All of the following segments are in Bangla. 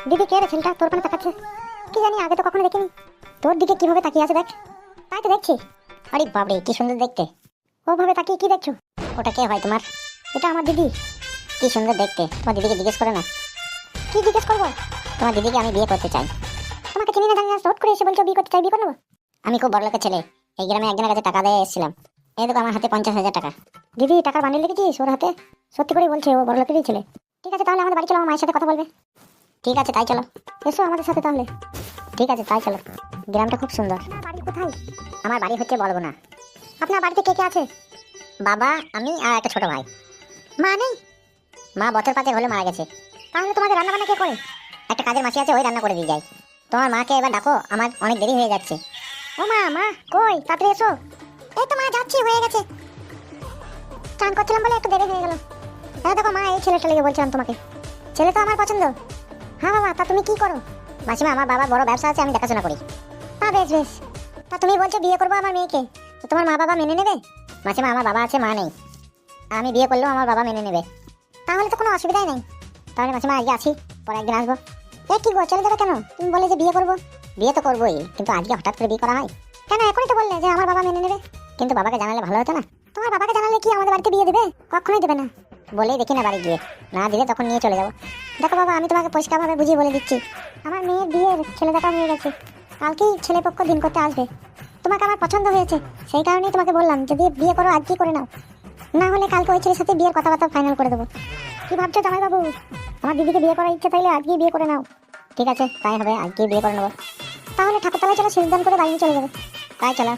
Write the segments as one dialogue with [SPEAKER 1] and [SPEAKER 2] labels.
[SPEAKER 1] দিদি কে রে ছেলেটা তোর পানে তাকাচ্ছে? কি জানি, আগে তো কখনো দেখিনি। তোর দিকে কিভাবে তাকিয়ে আছে দেখ। তাই তো দেখছি। আরে বাবরে, কি সুন্দর দেখতে। ওভাবে তাকিয়ে কি দেখছো? ওটা কে হয় তোমার? এটা আমার দিদি। কি সুন্দর দেখতে। তোমার দিদিকে জিজ্ঞেস করে না? কি জিজ্ঞেস করবো? তোমার দিদিকে আমি বিয়ে করতে চাই। তোমাকে চিনি না জানি না, হুট করে এসে বলছো বিয়ে করতে চাই, বিয়ে করে নেবো? আমি খুব বড় লোকের ছেলে, এই গ্রামে একজনের কাছে টাকা দিয়ে এসেছিলাম। এই দেখো আমার হাতে 50,000 টাকা। দিদি টাকার বান্ডিল দেখেছিস ওর হাতে? সত্যি করে বলছে ও বড় লোকেরই ছেলে। ঠিক আছে তাহলে আমাদের বাড়ি চলো, আমার মায়ের সাথে কথা বলবে। ঠিক আছে তাই চলো। এসো আমাদের সাথে তাহলে। ঠিক আছে তাই চলো। গ্রামটা খুব সুন্দর। বাড়ি কোথায়? আমার বাড়ি হচ্ছে বলবো না। আপনার বাড়িতে কে কে আছে? বাবা, আমি আর একটা ছোট ভাই। মা নেই? মা বছর 5 হলে মারা গেছে। তাহলে তোমাদের রান্না বান্না কে করে? একটা কাজের মাসি আছে, ওই রান্না করে দিয়ে যায়। তোমার মাকে এবার ডাকো, আমার অনেক দেরি হয়ে যাচ্ছে। ও মা, মা কই, তাড়াতাড়ি এসো। এই তো মা যাচ্ছি, হয়ে গেছে। চান করছিলাম বলে একটু দেরি হয়ে গেল। হ্যাঁ দেখো মা, এই ছেলেটা লেগে বলছিলাম তোমাকে। ছেলে তো আমার পছন্দ। হ্যাঁ বাবা, তা তুমি কি করো? মাসিমা, আমার বাবার বড় ব্যবসা আছে, আমি দেখাশোনা করি। তা বেশ বেশ। তা তুমি বলছো বিয়ে করবো আমার মেয়েকে, তো তোমার মা বাবা মেনে নেবে? মাসিমা, আমার বাবা আছে, মা নেই। আমি বিয়ে করলেও আমার বাবা মেনে নেবে। তাহলে তো কোনো অসুবিধাই নেই। তাহলে মাসিমা আজকে আছি, পরে একদিন আসবো। এ কি গো, চলে যাবে কেন? তুমি বলে যে বিয়ে করবো। বিয়ে তো করবোই, কিন্তু আজকে হঠাৎ করে বিয়ে করা হয় কেন? এখনই তো বললে যে আমার বাবা মেনে নেবে। কিন্তু বাবাকে জানালে ভালো হতো না? তোমার বাবাকে জানালে কি আমাদের বাড়িতে বিয়ে দেবে? কখনোই দেবে না। বলেই দেখি না বাড়ি গিয়ে, না দিলে তখন নিয়ে চলে যাবো। দেখো বাবা, আমি তোমাকে পরিষ্কারভাবে বুঝিয়ে বলে দিচ্ছি, আমার মেয়ের বিয়ের ছেলে দেখা হয়ে গেছে। কালকেই ছেলে পক্ষ দিন করতে আসবে। তোমাকে আমার পছন্দ হয়েছে, সেই কারণেই তোমাকে বললাম যদি বিয়ে করো আজকেই করে নাও, না হলে কালকে ওই ছেলের সাথে বিয়ের কথাবার্তা ফাইনাল করে দেবো। কি ভাবছো জামাই বাবু? আমার দিদিকে বিয়ে করার ইচ্ছে থাকলে আজকেই বিয়ে করে নাও। ঠিক আছে তাই হবে, আজকেই বিয়ে করে নেবো। তাহলে ঠাকুরতলায় চলো, সিদ্ধান্ত করে বাড়ি চলে যাবে। তাই চলো।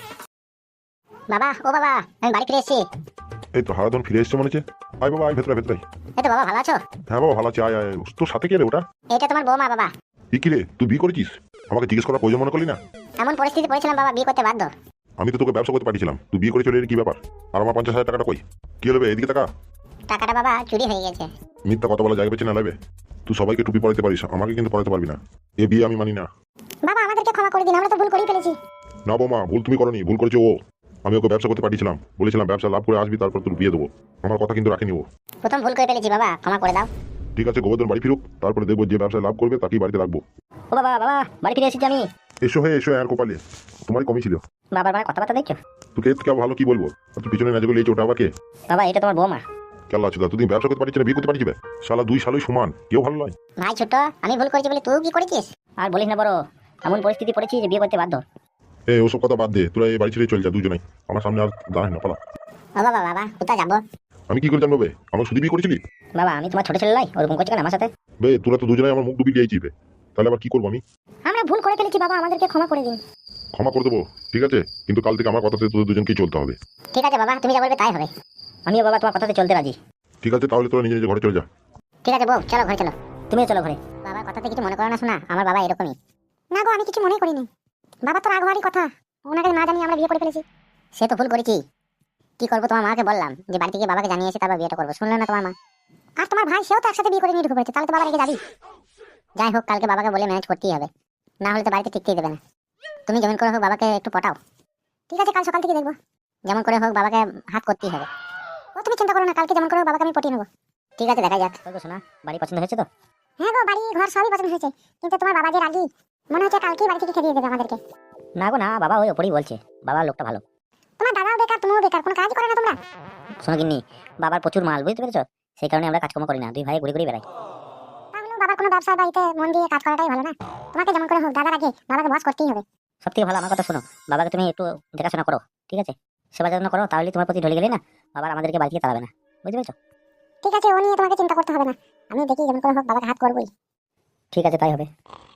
[SPEAKER 1] বাবা, ও বাবা, আমি বাড়ি ফিরে এসেছি।
[SPEAKER 2] এই তো হারাধন ফিরে এসছে মনে হচ্ছে। আয় বাবা, আয় ভেতরে ভেতরে।
[SPEAKER 1] এই তো বাবা, ভালো আছো?
[SPEAKER 2] হ্যাঁ বাবা ভালো আছি, আয় আয়। তোর সাথে কে রে ওটা?
[SPEAKER 1] এটা তোমার বৌমা বাবা।
[SPEAKER 2] কি রে, তুই বিয়ে করেছিস? আমাকে জিজ্ঞেস করার প্রয়োজন মনে করলি না?
[SPEAKER 1] এমন পরিস্থিতি পড়েছিলাম বাবা, বিয়ে করতে বাধ্য।
[SPEAKER 2] আমি তো তোকে ব্যবসা করতে পাঠিয়েছিলাম, তুই বিয়ে করে চলে এলি, কি ব্যাপার? আর আমার 50,000 টাকাটা কই? কি হলো বে, এদিকে টাকা?
[SPEAKER 1] টাকাটা বাবা চুরি হয়ে গেছে।
[SPEAKER 2] মিথ্যা কথা বলা যায় বেছে না লাগবে। তুই সবাইকে টুপি পরাতে পারিস, আমাকে কিন্তু পরাতে পারবি না। এ বিয়ে আমি মানি না।
[SPEAKER 1] বাবা আমাদেরকে ক্ষমা করে দিন, আমরা তো ভুল করেই ফেলেছি।
[SPEAKER 2] না বৌমা, ভুল তুমি করনি, ভুল করেছো ও। আমি ওকে ব্যবসা করতে পাঠিয়েছিলাম, বলেছিলাম ব্যবসা লাভ করে আসবি, তারপর তোর বিয়ে দেবো। আমার কথা কিন্তু রাখিনি ও।
[SPEAKER 1] প্রথম ভুল করে ফেলেছি বাবা, ক্ষমা করে দাও।
[SPEAKER 2] ঠিক আছে, গোবর্ধন বাড়ি ফিরুক, তারপরে দেখবো যে ব্যবসায় লাভ করবে তাকেই বাড়িতে রাখবো।
[SPEAKER 1] ও বাবা, বাবা বাড়ি ফিরে এসেছি আমি।
[SPEAKER 2] এসো হে এসো, আর কোপালে তোমারই কমই ছিল।
[SPEAKER 1] বাবার মানে কথাবার্তা দেখছো?
[SPEAKER 2] তোকে এর থেকে ভালো কি বলবো? আর তুই পিছনে না যেগুলো এই ওটা আবার কে?
[SPEAKER 1] বাবা এটা তোমার বৌমা।
[SPEAKER 2] কেলা আছে, তুই ব্যবসা করতে পারছিস না, বিয়ে করতে পারছিস? শালা দুই শালই সমান, কেউ ভালো নয়।
[SPEAKER 1] ভাই ছোট, আমি ভুল করেছি বলে তুই কি করেছিস? আর বলিস না বড়, এমন পরিস্থিতি পড়েছি যে বিয়ে করতে বাধ্য।
[SPEAKER 2] এই ওসব কথা বাদ দে, তোরা এই বাড়ি ছেড়ে চলে যা দুজনেই। আমার সামনে আর দাঁড়ায় না, পালা।
[SPEAKER 1] ও বাবা, বাবা কোথায় যাবো?
[SPEAKER 2] আমি কি করে জানবো বে, আমার শুধু বিয়ে করেছিলি?
[SPEAKER 1] বাবা আমি তোমার ছোট ছেলে নয়, ওরকম করছো কেন আমার সাথে?
[SPEAKER 2] বে তোরা তো দুজনেই আমার মুখ ডুবি দিয়েছিস বে, তাহলে আবার কি করবো আমি?
[SPEAKER 1] আমরা ভুল করে ফেলেছি বাবা, আমাদেরকে ক্ষমা করে দিন।
[SPEAKER 2] ক্ষমা করে দেবো, ঠিক আছে, কিন্তু কাল থেকে আমার কথাতে তোদের দুজনকেই চলতে হবে।
[SPEAKER 1] ঠিক আছে বাবা, তুমি যা বলবে তাই হবে। আমিও বাবা তোমার কথাতে চলতে রাজি।
[SPEAKER 2] ঠিক আছে, তাহলে তোরা নিজে নিজে ঘরে চলে যা।
[SPEAKER 1] ঠিক আছে বউ, চলো ঘরে চলো। তুমিও চলো ঘরে। বাবার কথাতে কিছু মনে করো না শোনা, আমার বাবা এরকমই। না গো, আমি কিছু মনে করিনি। বাবা তো রাগ হওয়ারই কথা, ওনাকে না জানিয়ে আমরা বিয়ে করে ফেলেছি। সে তো ভুল করেছি, কি করবো, তোমার মাকে বললাম যে বাড়ি থেকে বাবাকে জানিয়েছি তারপর বিয়েটা করবো, শুনলে না তোমার মা। আর তোমার ভাই, সেও তো একসাথে বিয়ে করে নিয়ে ঢুকে পড়েছে, তাহলে তো বাবা রেগে যাবি। যাই হোক, কালকে বাবাকে বলে ম্যানেজ করতেই হবে, না হলে তো বাড়িতে টিকতেই দেবে না। তুমি যেমন করে হোক বাবাকে একটু পটাও। ঠিক আছে, কাল সকাল থেকে দেখবো, যেমন করে হোক বাবাকে হাত করতেই হবে। ও তুমি চিন্তা করো না, কালকে যেমন করে হোক বাবাকে আমি পটিয়ে নেবো। ঠিক আছে, দেখা যাক। শোনা, বাড়ি পছন্দ হয়েছে তো? হ্যাঁ গো, বাড়ি ঘর সবই পছন্দ হয়েছে, কিন্তু তোমার বাবা যে রাগী, মনে হচ্ছে কালকেই বাড়ি থেকে খেদিয়ে দেবে আমাদেরকে। না গো না, বাবা ওই ওপরেই বলছে, বাবার লোকটা ভালো। তোমার দাদাও বেকার, তুমিও বেকার, কোনো কাজ করে না তোমরা। শোনো গিন্নি, বাবার প্রচুর মাল, বুঝতে পেরেছো? সেই কারণে আমরা কাজকর্ম করি না, দুই ভাই ঘুরে ঘুরে বেড়াই। তাহলে বাবার কোনো ব্যবসা বাড়িতে মন দিয়ে কাজ করাটাই ভালো না? তোমাকে যেমন করে হোক দাদার আগে বাবাকে বস করতেই হবে। সব থেকে ভালো আমার কথা শোনো, বাবাকে তুমি একটু দেখাশোনা করো, ঠিক আছে? সেবা যত্ন করো, তাহলে তোমার প্রতি ঢলে গেলে না, বাবার আমাদেরকে বাড়ি থেকে তাড়াবে না, বুঝতে পেরেছো? ঠিক আছে, ও নিয়ে তোমাকে চিন্তা করতে হবে না, আমি দেখি যেমন করে হোক বাবাকে হাত করবোই। ঠিক আছে তাই হবে।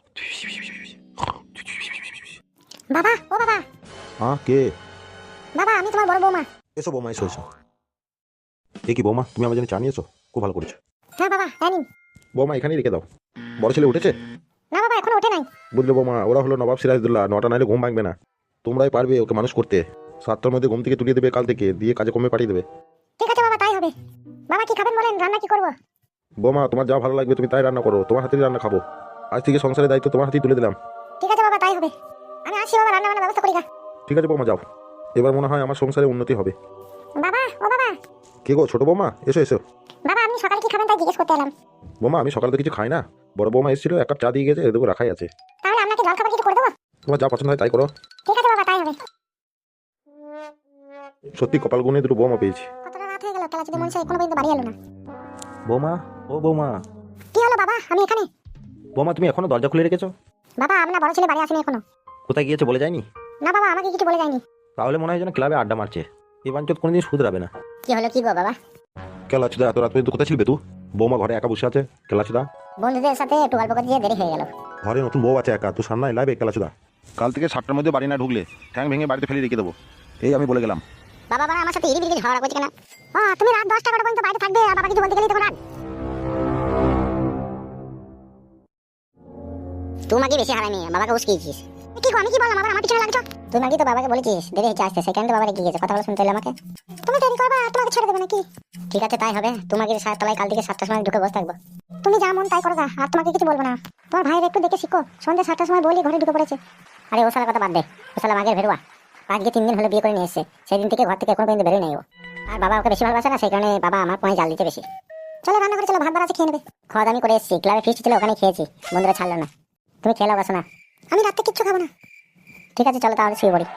[SPEAKER 1] বাবা, ও বাবা।
[SPEAKER 3] হ্যাঁ কে?
[SPEAKER 1] বাবা আমি তোমার বড় বৌমা।
[SPEAKER 3] এসো বৌমা, এসো এসো। এ কি বৌমা, তুমি আমার জন্য চা নিয়েছো? খুব ভালো করেছো।
[SPEAKER 1] হ্যাঁ বাবা, নিন।
[SPEAKER 3] বৌমা এখানেই রেখে দাও। বড় ছেলে উঠেছে?
[SPEAKER 1] না বাবা, এখনো ওঠে নাই।
[SPEAKER 3] বুঝলে বৌমা, ওরা হলো নবাব সিরাজদৌল্লা, 9টা নাইলে ঘুম ভাঙবে না। তোমরাই পারবে ওকে মানুষ করতে। 7টার মধ্যে ঘুম থেকে তুলিয়ে দেবে কাল থেকে, দিয়ে কাজে কমে পাঠিয়ে দেবে।
[SPEAKER 1] ঠিক আছে বাবা, তাই হবে। বাবা কি খাবেন বলেন, রান্না কি করবো?
[SPEAKER 3] বৌমা তোমার যা ভালো লাগবে তুমি তাই রান্না করো, তোমার হাতেই রান্না খাবো। আজ থেকে সংসারের দায়িত্ব তোমার হাতেই তুলে দিলাম।
[SPEAKER 1] ঠিক আছে বাবা, তাই হবে। আমি আসি বাবা, রান্না বান্নার ব্যবস্থা করি গা।
[SPEAKER 3] ঠিক আছে বৌমা, যাও। এবার মনে হয় আমার সংসারে উন্নতি হবে।
[SPEAKER 1] বাবা, ও বাবা।
[SPEAKER 3] কে গো ছোট বৌমা, এসো এসো।
[SPEAKER 1] বাবা আপনি সকালে কি খাবেন তাই জিজ্ঞেস করতে এলাম।
[SPEAKER 3] বৌমা আমি সকালে তো কিছু খাই না, বড় বৌমা এসেছিল, এক কাপ চা দিয়ে গেছে, এদেরকে রাখাই আছে।
[SPEAKER 1] তাহলে আপনাকে জল খাবার কিছু করে দেবো?
[SPEAKER 3] তোমার যা পছন্দ হয় তাই করো।
[SPEAKER 1] ঠিক আছে বাবা, তাই হবে।
[SPEAKER 3] সত্যি কপাল গুনে দুটো বৌমা পেয়েছি।
[SPEAKER 1] কতটা রাত হয়ে গেল, তাহলে যদি মনে হয় এখনো পর্যন্ত বাড়ি এলো না।
[SPEAKER 3] বৌমা, ও বৌমা।
[SPEAKER 1] কি হলো বাবা, আমি এখানে।
[SPEAKER 3] বৌমা তুমি এখনো দরজা খুলে রেখেছো?
[SPEAKER 1] বাবা আপনার বড় ছেলে বাড়ি আসেনি এখনো।
[SPEAKER 3] কোথায় গিয়েছে বলে যায়নি?
[SPEAKER 1] না বাবা, আমাকে কিছু বলে যায়নি।
[SPEAKER 3] তাহলে মনে হয় যেন ক্লাবে আড্ডা মারছে। এই বাঞ্চত কোনোদিন শুধরাবে না।
[SPEAKER 1] কি হলো কি গো বাবা?
[SPEAKER 3] কেলাচুদা, এত রাত পর্যন্ত কোথায় ছিলবে তুই? বৌমা ঘরে একা বসে আছে। কেলাচুদা,
[SPEAKER 1] বন্ধুদের সাথে একটু গল্প করতে গিয়ে দেরি হয়ে গেল।
[SPEAKER 3] ঘরে নতুন বউ আছে একা, তুই সামনে লাইবে। কেলাচুদা, কাল থেকে 7টার মধ্যে বাড়ি না ঢুকলে ঠ্যাং ভেঙে বাড়িতে ফেলে রেখে দেবো, এই আমি বলে গেলাম।
[SPEAKER 1] বাবা বাবা আমার সাথে ইরি বিরি ঝগড়া করছে কেন? তুমি রাত 10টা পর্যন্ত বাইরে থাকবে, আর বাবা কিছু বলতে গেলেই তখন রাত। তোমাকে বেশি হারামি, বাবাকে উস্কিয়েছিস। কি গো, আমি কি বললাম? আবার আমার পিছনে লাগছো। তুমি নাকি তো বাবাকে বলেছিস দেরি হচ্ছে আসতে, সেখানে বাবা রেগে গেছে। কথা বলে শুনতে হলো আমাকে। তুমি দেরি করবা আর তোমাকে ছেড়ে দেবে নাকি? ঠিক আছে তাই হবে। তোমাকে তলায় কাল থেকে 7টার সময় ঢুকে বসে থাকবো। তুমি যা মন তাই করো গা, আর তোমাকে কিছু বলবো না। তোমার ভাইয়ের একটু দেখে শিখো, সন্ধ্যে 7টার সময় বলি ঘরে ঢুকে পড়েছে। আরে ও শালার কথা বাদ দে, ও শালা মাগের ভেরুয়া। আজকে 3 দিন হলো বিয়ে করে নিয়ে এসেছে, সেদিন থেকে ঘর থেকে এখনো পর্যন্ত বেরোয় নাই ও। আর বাবা ওকে বেশি ভালোবাসে না, সেই কারণে বাবা আমার পায়ে জাল দিতে বেশি। চলো রান্না করে চলো, ভাত বার আছে, খেয়ে নেবে। খাওয়া দাওয়া আমি করে এসেছি, ক্লাবে ফিস্ট ছিল ওখানে খেয়েছি, বন্ধুরা ছাড়লো না। তুমি খেয়ে নাও, না আমি রাতে কিচ্ছু খাবো না। ঠিক আছে চলো তাহলে শুয়ে পড়ি।